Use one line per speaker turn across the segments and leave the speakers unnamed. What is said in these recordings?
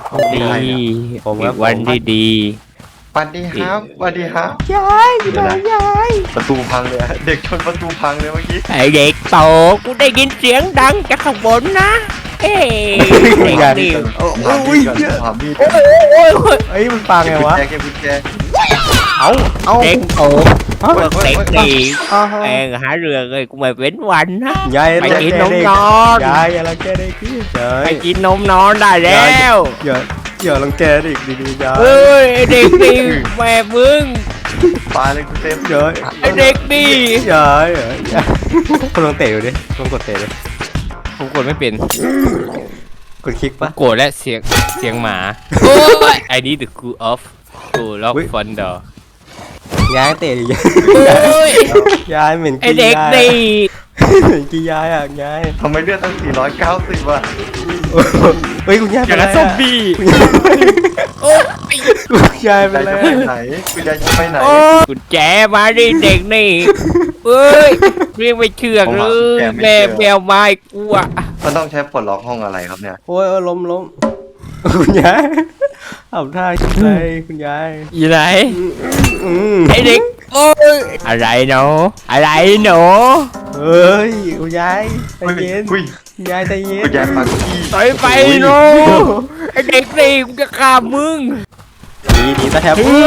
ดี
ผมค
อี
รับ
กวันที่ดี
สวัสดีครับสวัสดีครับ
ยายอยู่ไหนยาย
ประตูพังเลยอะเด็กชนประตูพังเลยเมื่อกี้
ไอเด็กโตกูได้ยินเสียงดังจากข้างบนนะเอ้เด็กนี่
ถามพี่ก่อนถามพี่
เอ้ยมันปังไงวะ
แกกุญแจ
เอาเด็กโต
ฮะ
เด็กดี
อ้าว
แม่งหาเรื่องเลยกูไม่เป็นวันนะ
ยาย
ไปกินนม
เด็ก
นอน
ยายอย่ารังแกเด็กพี่ยาย
ไปกินนมนอนได้แล้ว
อย่ารังแกเด็กดีๆยาย
เอ้ยไอ้เด็กดีแม่มึง
ปาเลยคุณเต็ม
ยาย
ไอเด็กดี
ยายคุณลองเตะดูดิลองกดเตะดิ
ผมกดไม่เป็น
กดคลิกปะ
โกรธและเสียงหมาโอ้ย I need to cool off to lock front door
ยายเตะดิ
โอ้ย
ยายเหม็น
ไอ
กิน
เด็ก
ยาย
ดี
เหม็นกินยายอ่ะยาย
ทำไมเลือดตั้ง490อ่ะ
เฮ้ยคุณยาย
อ
เป็น
ย่าง
ไร
นั้นซอม
อะ
บี้
คุณยาย
โอ้ย
คุณยายเป็
ยาน ย
ไร
จะไปไหนคุณยายจะไปไหน
โอ้ยกุญแจมาดิเด็กนี่เอ้ยเรียกไม่เชื่องเลยแม่แมวไม้กูอะ
มันต้องใช้ปลดล็อกห้องอะไรครับเนี่ย
โอ้ยล้มคุณยายเอาท่าคิดอะไรคุณยาย
อยู่ไหน
อืม
ไอเด็กโอ้ยอะไรหนูอะไรหนู
เฮ้ยคุณยายใจเย็น
อุ้ย
คุณยายใจเย็น
คุณยายปักขี้
ถอยไปหนูไอเด็กนี่กูจะฆ่ามึง
ดีตาแทบ
โอ้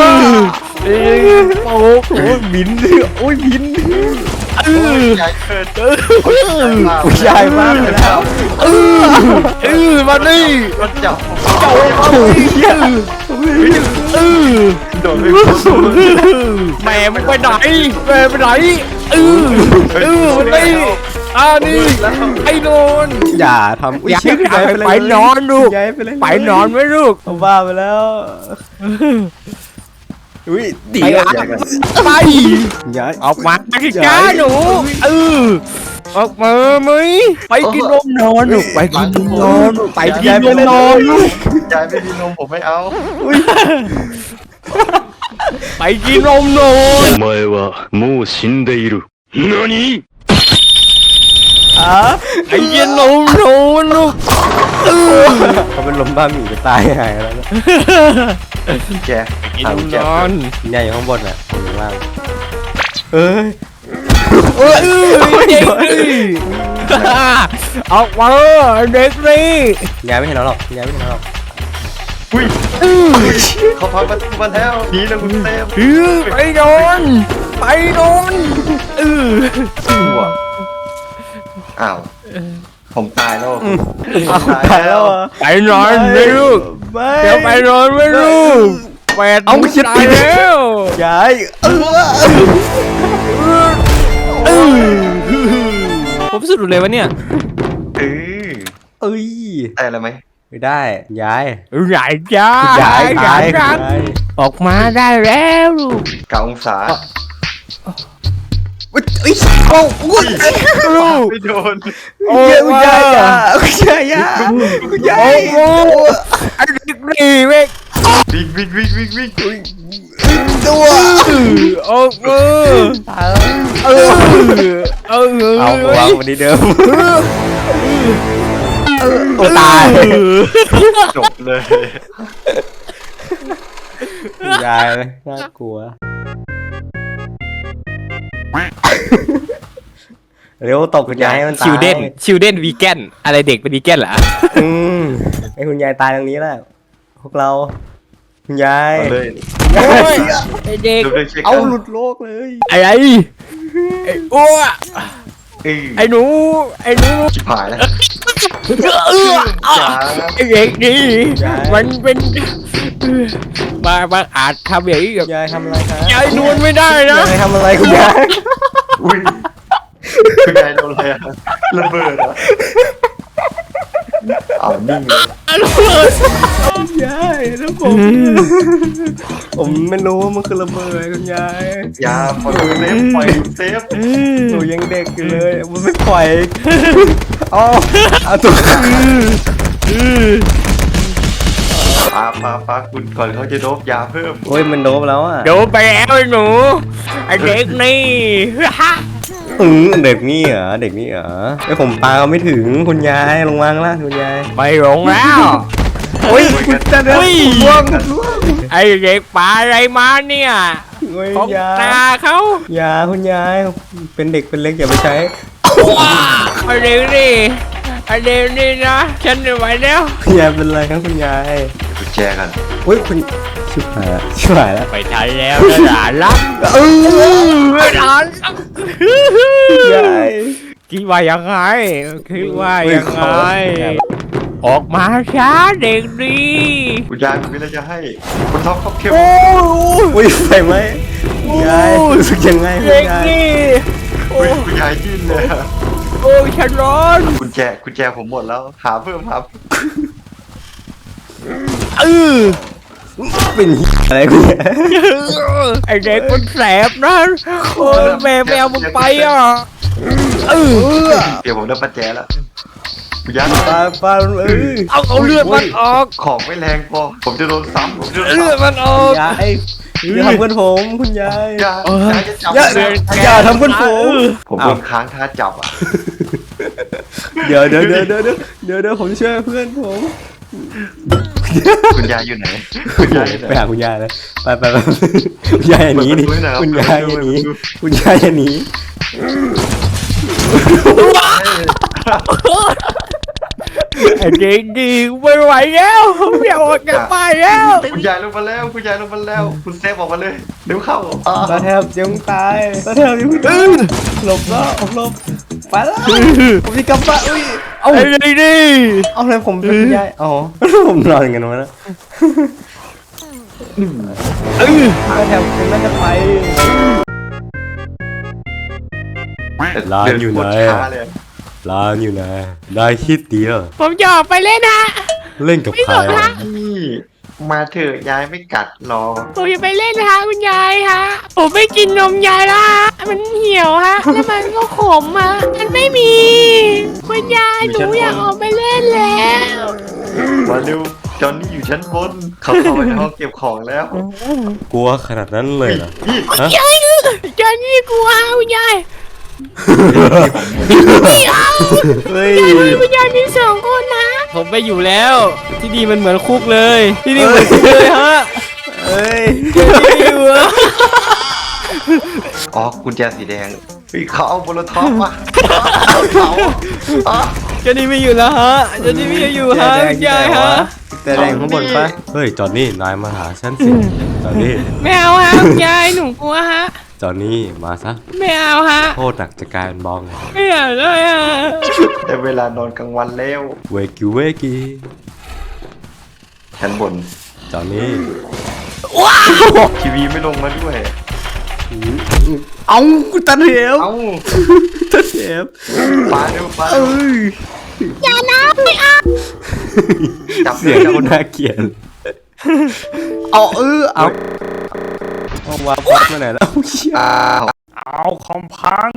โหบินโอ้ยบิน
ยายเกิด
คุณยายมากเลยแล้ว
มาดิ
รถจับ
เจ้ามาดิ
โดนไป
แม่มึงไปไหนแม่ไปไหนมาดินี่ไอ้นอน
อย่าทำ
อยาก
เชี่ยคุณยาย
ไปนอนลูก
คุณยายไปเลย
ไปนอนไหมลูก
ผมบ้าไปแล้วอุ้ยดี
ไป
อ่ะ
ไป
คุณยาย
ออกมาที่จ้าหนูออกมาไหมไปกินนมนอนลูกไปกินนมนอนไปกินนมนอนลูก
ยายไม่มีนมผมไม่เอา
ไปกินนมนอน
お前はもう死んでいる。何
อ่ะ
ไปกินนมนอนลูก
เขาเป็นลมบ้าหมีจะตายหายแล้วนะ
แก
กิน
ถาม
นม
แก
นอน
คุณยายอยู่ข้างบนอ่ะอยู่ข้างล่างเอ้ย
เด็กนี่ออกมาเด็กนี่
คุณยายไม่เห็นเราหรอกคุณยายไม่เห็นเราหรอก
อุ้ยเขาพังประตูมาแล้วหนีแล้วคุณเต็ม
ไปนอนไปนอนเออ
อ้าวผมตายแล้ว
ตายแล้วอ่ะ
ไปนอนไม่ลูก
ไม่
เดี๋ยวไปนอนไม่ลูกแปด
เอาไม่คิด
ตายแล้ว
ยาย
ผมสุดเลยวะเนี่ย
เออ
เอ้ย
ได้แล้วไหม
ไม่ได้ยาย
ใหญ่จ้าย
ายตาย
จังออกมาได้แล้วลูก
9 องศา
อุ้ยโอ้อุ้ย
ลูก
ไม่โดน
โอ้
คุณยายอ่ะคุณยายอ่ะคุณยาย
โอ้ไอ้เด็กนี่เว้ย
วิ่งวิ่งวิ่งวิ่งวิ่ง
ตัว
โอ้เออเออ
เอาวางวันนี้เดิมโอ้ตาย
จบเลย
คุณยายน่ากลัวเร็วตกคุณยายให้มันตาย
ชิลเด้นวีแกนอะไรเด็กเป็นวีแกนเหรอ
อืมให้คุณยายตายตรงนี้แหละพวกเราคุณยาย
เอาเลย
โอ้ยไอ้เด็ก
ดูเลยเช็ค
เอาหลุดโลกเลย
อะไรไอ้อ้ว ไอ้หนูไอ้หนู
ชิบหายแล้ว
ไอ้เด็กนี่มันเป็นมาอาจทำอย่างนี้กับ
ยายทำอะไรครับ
ยายนวลไม่ได้นะ
ยายทำอะไรคุณยาย
อุ้ยคุณยายโดนอะไรอะระเบิดเหรอเอานิ่งเลย
คุณยายแล้วผมไม่รู้ว่ามันคือระเบิดคุณยาย
ยาปล่อยเซฟปล่อยเซฟ
หนูยังเด็กอยู่เลยมันไม่ปล่อยอ๋อเอาตัว
ปาคุณก่อนเขาจะโดบยาเพิ่ม
โอ้ยมันโดบแล้วอ่ะ
เดี๋ยวไปแล้วไอ้หนูไอ้เด็กนี่
เด็กนี่เหรอเด็กนี่เหรอไอผมปาเขาไม่ถึงคุณยายลงวางล่างคุณยาย
ไปหลงแล้ว
โอ้ยคุณจะเดินล่วง
ไอ้เด็กป่าอะไรมาเนี่ย
โอ้ย
ของ
ยา
ตาเขา
ยาคุณยายเป็นเด็กเป็นเล็กอย่าไปใช้
ไอ้เด็กนี่ไอ้เด็กนี่นะฉันไม่ไหวแล้ว
คุณยายเป็นไรครับคุณยาย
กุญแจกัน
โอ้ยคุณชิบหายแล้วชิบหายแล้ว
ไปทันแล้วนะหลานรักหลานรัก
ยาย
คิดว่ายังไงคิดว่ายังไงออกมาช้าเด็กดี
คุณยายผมมีอะไรจะให้คุณท็อปเขาเข้ม
อุ้ยไฟไหมคุณยายรู้สึกยังไงคุ
เด็
ณ
ก
ยาย
นี่
คุณยายจิ้นเลยอะ
โอ้ยฉันร้อน
กุญแจผมหมดแล้วหาเพิ่มครับ
เป็นอะไรคุณยาย
ไอเด็กมันแสบนะโอ้ยแม่ไม่เอามึงไปอ่ะ
เดี๋ยวผมได้ปัจแจแล้วคุณยาย
ปลา
เอาเลือดมันออก
ของไม่แรงพอผมจะโดนซ้ำผมจะโดน
เลือด
ซ้ำ
มันออก
ยายอย่าทำเพื่อนผมคุณยาย
ยายจะจับ
อย่าทำเพื่อนผม
ผมโดนค้างท่าจับอ่ะ
เดี๋ยวผมช่วยเพื่อนผม
คุณยายอยู่ไหนคุณยายอยู่ไหน
ไปหาคุณยายเลยไปคุณยายอย่าหนีดิคุณยายอย่าหนีคุณยายอย่าหนี
ไอเด็กดีไม่ไหวแล้วไม่เอาออกจากบ้านแล้ว
คุณยายลงมาแล้วคุณเซฟออกมาเลยเร็วเข้า
ตาแทบจะตายตาแทบจะตายหลบไปแล้วผมจะกลับบ้านอุ้ย
ไอเด็กดี
เอาเลยผมเป็นคุณยายอ๋อผมนอนกันวะนะตาแทบจะน่าจะไปร้านอยู่ไหน ร้านอยู่ไหนได้คิดเดียว
ผมจะออกไปเล่นฮะ
เล่นกับใคร
นี่มาเถอะยายไม่กัดรอ
ผมจะไปเล่นฮะคุณยายฮะผมไม่กินนมยายแล้วฮะมันเหี่ยวฮะแล้วมันก็ขมฮะมันไม่มีคุณยายหนูอยากออกไปเล่นแล้ว
มาเร็วจอนนี่อยู่ชั้นบนเขาเข้าไปในห้องเก็บของแล้ว
กลัวขนาดนั้นเลยเหรอฮะ
ยายจอนนี่กลัวคุณยาย
เฮ้ย
คุณยายมีสองคนนะผมไปอยู่แล้ว ที่นี่มันเหมือนคุกเลยที่นี่เหมือนคุกเลยฮะ
เฮ้ย
อยู่อะ
อ๋อกุญแจสีแดงเฮ้ยเขาเอาโบโลท็อปมาเขาอ๋อ
จอนนี่ไม่อยู่แล้วฮะจอนนี่ไม่อยู่ฮะคุณยายฮะ
แต่แดงข้างบนปะเฮ้ยจอนนี่นายมาหาฉันสิจอนนี่
ไม่เอาฮะคุณยายหนูกลัวฮะ
จอนนี่มาซะ
ไม่เอาฮะ
โทษหนักจะกลายเป็นบอง
ไม่อยากเลยฮะ
ได้เวลานอนกลางวันแล้ว
เวกิ
ชั้นบน
จอนนี่
ทีวีไม่ลงมาด้วย
เอากูตัดเหว
เอ้า
ตัดเหว
ปาเร็วปา
เอ้ย
อย่านะไม่เอา
จับ
เสียงคนน่าเกลียดเอาเอาวางป๊อปมาไหนแล้ว
อ้าว
เอาคอมพัง